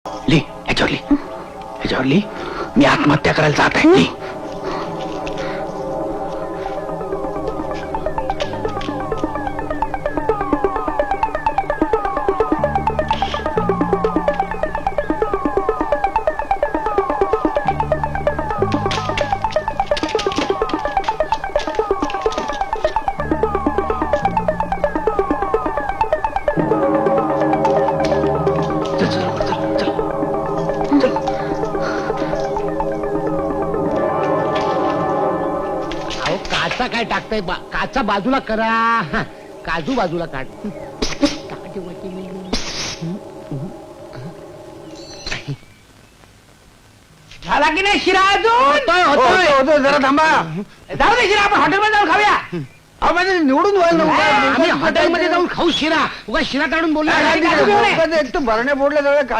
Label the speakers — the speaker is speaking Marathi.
Speaker 1: ली ह्याच्यावर ली मी आत्महत्या करायला जात आहे ली.
Speaker 2: काचा काय टाकताय काचा बाजूला करा. काजू बाजूला काढ.
Speaker 1: झाला की नाही शिरा अजून?
Speaker 2: होतोय.
Speaker 1: जरा थांबा. जाऊ दे शिरा आपण हॉटेलमध्ये जाऊन खाऊया. अहो म्हणजे निवडून
Speaker 2: आम्ही हॉटेलमध्ये जाऊन खाऊ शिरा. उगा शिरा काढून बोलला.
Speaker 1: काय
Speaker 2: भरण्या
Speaker 1: बोडल्या